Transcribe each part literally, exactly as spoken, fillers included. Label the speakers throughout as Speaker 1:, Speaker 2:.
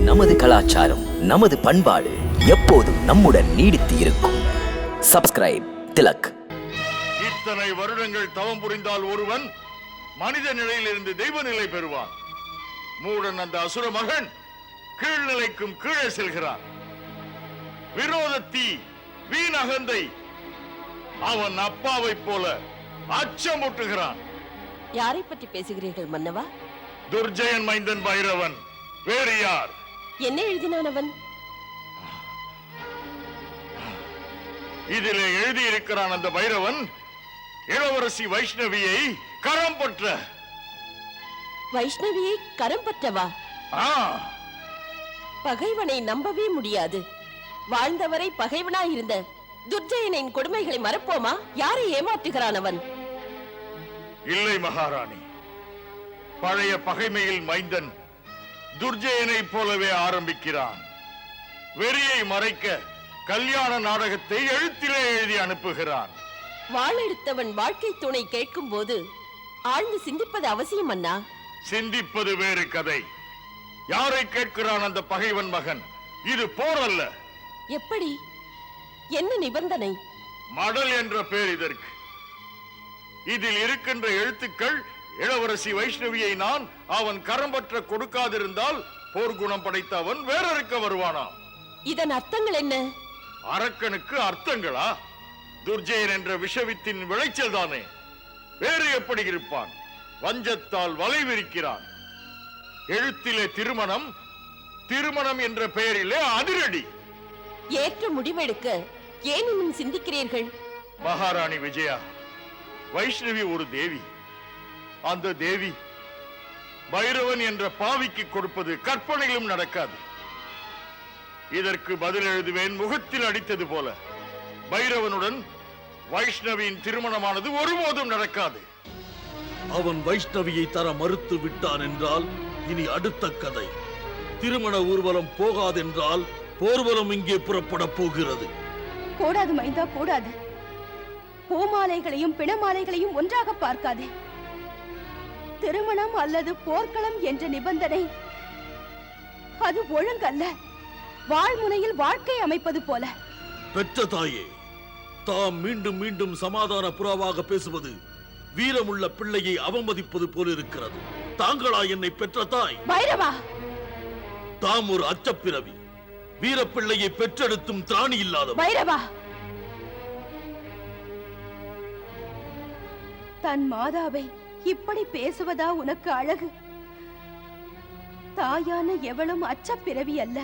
Speaker 1: நமது கலாச்சாரம், நமது பண்பாடு எப்போதும் நம்முடன் நீடித்து இருக்கும். சப்ஸ்கிரைப் திலக்.
Speaker 2: இத்தனை வருடங்கள் தவம் புரிந்தால் ஒருவன் மனித நிலையிலிருந்து தெய்வ நிலை பெறுவான். மூடன் அந்த அசுர மகன் கீழ்நிலைக்கும் கீழே செல்கிறான். விரோதத்தி வீண் அகந்தை அவன் அப்பாவை போல அச்சமூட்டுகிறான்.
Speaker 3: யாரை பற்றி பேசுகிறீர்கள் மன்னவா?
Speaker 2: துர்ஜயன் மைந்தன் பைரவன். வேறு யார்?
Speaker 3: என்ன எழுதினான் அவன்?
Speaker 2: இதிலே எழுதியிருக்கிறான் அந்த பைரவன் இளவரசி வைஷ்ணவியை கரம் பற்ற.
Speaker 3: வைஷ்ணவியை கரம் பற்றவா? பகைவனை நம்பவே முடியாது. வாழ்ந்தவரை பகைவனாயிருந்த துர்ஜயனின் கொடுமைகளை மறப்போமா? யாரை ஏமாற்றுகிறான் அவன்?
Speaker 2: இல்லை மகாராணி, பழைய பகைமையில் மைந்தன் துர்ஜயனை போலவே ஆரம்பிக்கிறான். வெறியை மறைக்க கல்யாண நாடகத்தை எழுத்திலே எழுதி அனுப்புகிறான்.
Speaker 3: வாழெடுத்தவன் வாழ்க்கை துணை கேட்கும் போது ஆழ்ந்து சிந்திப்பது அவசியம் அண்ணா.
Speaker 2: சிந்திப்பது வேறு கதை. யாரை கேட்கிறான் அந்த பகைவன் மகன்? இது போர் அல்ல.
Speaker 3: எப்படி? என்ன நிபந்தனை?
Speaker 2: மடல் என்ற பெயர் இதற்கு. இதில் இருக்கின்ற எழுத்துக்கள் இளவரசி வைஷ்ணவியை நான் அவன் கரம்பற்ற கொடுக்காதிருந்தால் போர்க்குணம் படைத்த அவன் வேறறுக்க வருவானாம்.
Speaker 3: இதன் அர்த்தங்கள் என்ன?
Speaker 2: அரக்கனுக்கு அர்த்தங்களா? துர்ஜயன் என்ற விஷவித்தின் விளைச்சல் தானே. வேறு எப்படி இருப்பான்? வஞ்சத்தால் வலை விரிக்கிறான். எழுத்திலே திருமணம், திருமணம் என்ற பெயரிலே அதிரடி.
Speaker 3: ஏற்ற முடிவெடுக்க ஏன் இன்னும் சிந்திக்கிறீர்கள்?
Speaker 2: மகாராணி விஜயா, வைஷ்ணவி ஒரு தேவி. அந்த தேவி பைரவன் என்ற பாவிக்கு கொடுப்பது கற்பனையிலும் நடக்காது. இதற்கு பதில் எழுதுவேன் முகத்தில் அடித்தது போல. பைரவனுடன் வைஷ்ணவியின் திருமணமானது ஒருபோதும் நடக்காது.
Speaker 4: அவன் வைஷ்ணவியை தர மறுத்து விட்டான் என்றால் இனி அடுத்த கதை. திருமண ஊர்வலம் போகாதென்றால் போர்வலம் இங்கே புறப்பட போகிறது.
Speaker 5: கூடாது மைந்தா, கூடாது. பூமாலைகளையும் பிணமாலைகளையும் ஒன்றாக பார்க்காதே. திருமணம் அல்லது போர்க்களம் என்ற நிபந்தனை அது ஒழுங்கல்ல. வாழ்முனையில் வாழ்க்கை அமைப்பது போல.
Speaker 4: பெற்ற தாயே, தாம் மீண்டும் மீண்டும் சமாதான புறாவாக பேசுவது வீரமுள்ள பிள்ளையை அவமதிப்பது போல இருக்கிறது. தாங்களா என்னை பெற்ற தாய்?
Speaker 5: பைரவா,
Speaker 4: தாம் ஒரு அச்சப்பிறவி. வீரப்பிள்ளையை பெற்றெடுத்தும் திராணி இல்லாத
Speaker 5: பைரவா. தன் மாதாவை இப்படி பேசுவதா உனக்கு அழகு? தாயான எவளும் அச்சப்பிறவி அல்ல.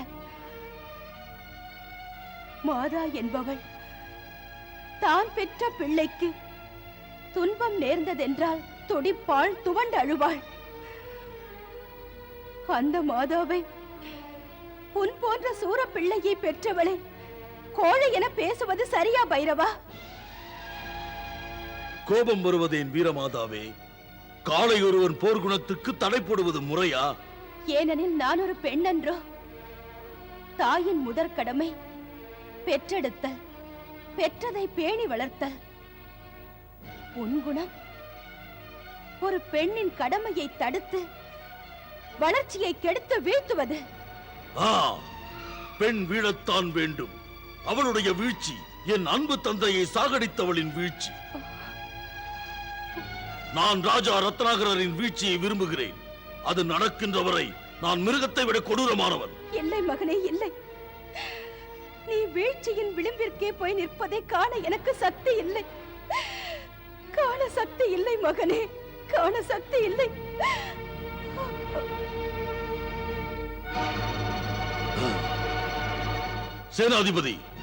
Speaker 5: மாதா என்பவள் தான் பெற்ற பிள்ளைக்கு துன்பம் நேர்ந்ததென்றால் துடிப்பாள், துவண்டு அழுவாள். அந்த மாதாவை உன் போன்ற சூர பிள்ளையை பெற்றவளை கோழை என பேசுவது சரியா பைரவா?
Speaker 4: கோபம் வருவதேன் வீரமாதாவே? காலை ஒருவன் போர்க்குணத்துக்கு தடை போடுவது முறையா?
Speaker 5: ஏனெனில் நான் ஒரு பெண் என்றோ? தாயின் முதற் கடமை பெற்றெடுத்தல், பெற்றதை பேணி வளர்த்தல். உன் குணம் ஒரு பெண்ணின் கடமையை தடுத்து வளர்ச்சியை கெடுத்து வீழ்த்துவது.
Speaker 4: ஆ, பெண் வீழத்தான் வேண்டும். அவளுடைய வீழ்ச்சி என் அன்பு தந்தையை சாகடித்தவளின் வீழ்ச்சி. நான் ராஜா ரத்னாகரின் வீழ்ச்சியை விரும்புகிறேன். அது நடக்கின்ற வரை நான் மிருகத்தை விட கொடூரமானவன்.
Speaker 5: இல்லை மகனே, இல்லை. நீ வீழ்ச்சியின் விளிம்பிற்கே போய் நிற்பதை காண எனக்கு சக்தி இல்லை. காண சக்தி இல்லை மகனே, காண சக்தி இல்லை.
Speaker 4: சேனாதிபதி,